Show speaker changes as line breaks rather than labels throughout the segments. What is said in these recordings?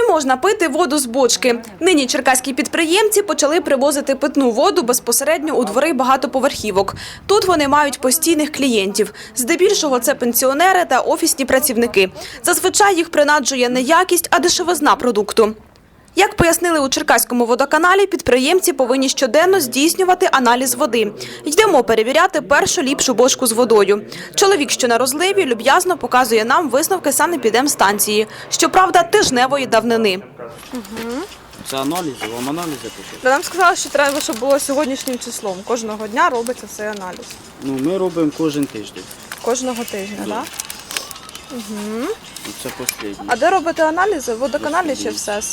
можна пити воду з бочки? Нині черкаські підприємці почали привозити питну воду безпосередньо у двори багатоповерхівок. Тут вони мають постійних клієнтів. Здебільшого це пенсіонери та офісні працівники. Зазвичай їх принаджує не якість, а дешевизна продукту. Як пояснили у Черкаському водоканалі, підприємці повинні щоденно здійснювати аналіз води. Йдемо перевіряти першу ліпшу бочку з водою. Чоловік, що на розливі, люб'язно показує нам висновки санепідемстанції. Щоправда, тижневої давнини.
Це аналізи, вам аналізи пишуть?
Нам сказали, що треба, щоб було сьогоднішнім числом. Кожного дня робиться цей аналіз.
Ну, ми робимо кожен тиждень.
Кожного тижня, так? Да?
Це останнє.
А де робите аналізи? В водоканалі чи в СЕС?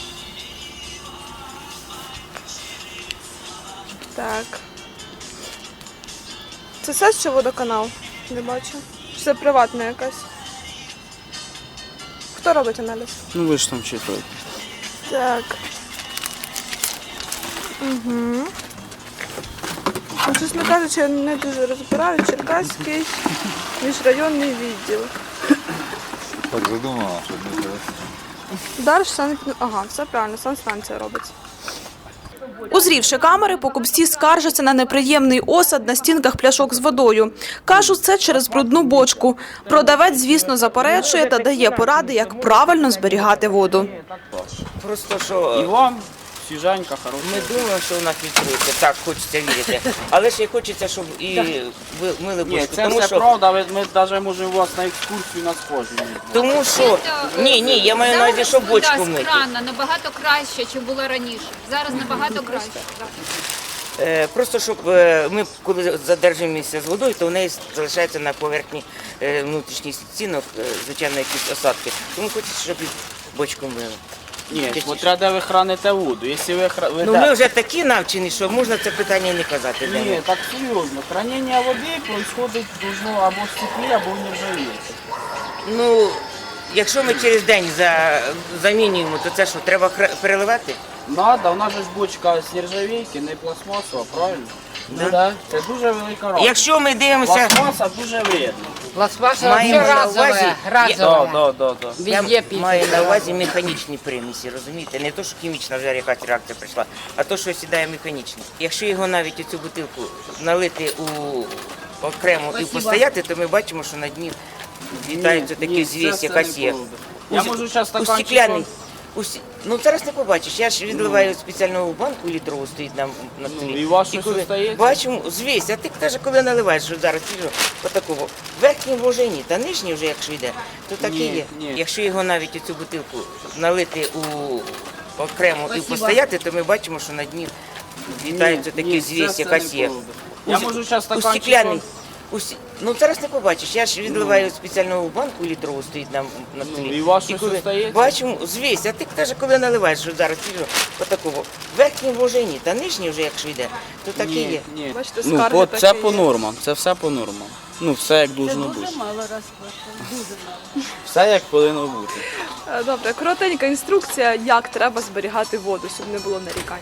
Так. Це СЕС чи водоканал? Не бачу. Чи це приватна якась? Хто робить аналіз?
Ну, ви ж там читаєте.
Так. Ну, чесно кажучи, я не дуже розбираю. Черкаський міжрайонний відділ.
Так задумала, щоб не треба.
Далі Ага, все правильно, санстанція робиться.
Узрівши камери, покупці скаржаться на неприємний осад на стінках пляшок з водою. Кажуть, це через брудну бочку. Продавець, звісно, заперечує та дає поради, як правильно зберігати воду.
Просто
І
що
вам свіженька, хороша.
ми думаємо, що вона фільтрується, так хочеться вірити. Але ще й хочеться, щоб і ви мили
Ні,
бочку.
це
Тому
все
що,
правда, ми навіть можемо вас на екскурсію на схожі.
тому що ні, я маю на увазі, що бочку
Вода з
мити.
крана набагато краще, ніж було раніше. Зараз набагато краще.
Просто щоб ми, коли задержуємося з водою, то в неї залишається на поверхні внутрішніх стінок, звичайно, якісь осадки. Тому хочеться, щоб і бочку мили.
Ні, смотря де ви храните воду. Якщо ви
Ну ми вже такі навчені, що можна це питання не казати. де ми.
Ні, так серйозно. Хранення води происходить должно або в стеклі, або в нержавійці.
Ну, якщо ми через день замінюємо, то це що, треба переливати?
Надо, у нас же ж бочка з нержавійки, не пластмасова, правильно?
Да.
Ну, да. Це дуже велика рада.
Якщо ми дивимося,
Пластмаса дуже вредна.
Пластмасса
маємо
вообще
на увазі,
разовая.
Да.
я
Везде пить.
маю на увазі механічні примісі, розумієте? Не то, що хімічна вже якась реакція прийшла, а то, що сідає механічно. Якщо його навіть у цю бутилку налити окремо і постояти, то ми бачимо, що на дні вітається такий звісь, якась є.
Я можу зараз
У
стаканчик.
стекляний. Ну зараз не побачиш. Я ж відливаю спеціальну банку літрову, стоїть на столі.
і у вас
І
щось
коли
остається?
бачимо, звісь, а ти теж коли наливаєш, що зараз свіжо, отакого. Верхній може ні, та нижній вже якщо йде, то так і є.
Ні.
Якщо його навіть у цю бутилку налити окремо і постояти, то ми бачимо, що на дні вітається такий звісь, якась є.
Я можу зараз
У
стаканчик.
стекляний. Ну зараз не побачиш. Я ж відливаю спеціальну банку літрову, стоїть на столі.
і у вас щось
коли
остається?
бачимо, звісь, а ти теж коли наливаєш, що зараз свіжо, отакого. Верхній може ні, та нижній вже якщо йде, то так і є.
Ні.
Бачите,
Ну,
скарги
от це
такі
по
є.
нормам, це все по нормам. Ну, все як должно бути. Дуже мало Все як повинно бути.
Добре, коротенька інструкція, як треба зберігати воду, щоб не було нарікань.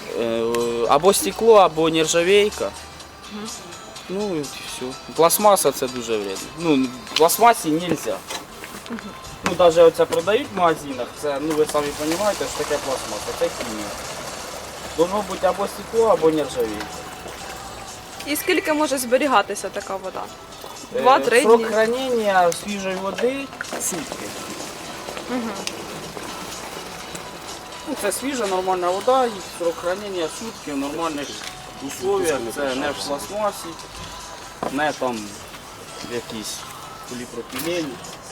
Або стекло, або нержавейка. Ну і все. Пластмаса це дуже вредно. Ну, пластмасі не можна. Ну, навіть оце продають в магазинах, це, ну ви самі розумієте, що таке пластмаса, це хімія. Должно бути або стекло, або нержавейка.
І скільки може зберігатися така вода? 2-3
Срок
дні.
хранення свіжої води сутки. Ну, це свіжа, нормальна вода, і срок хранення сутки в нормальних условиях. Це не в пластмасі, не там в якійсь поліпропілені.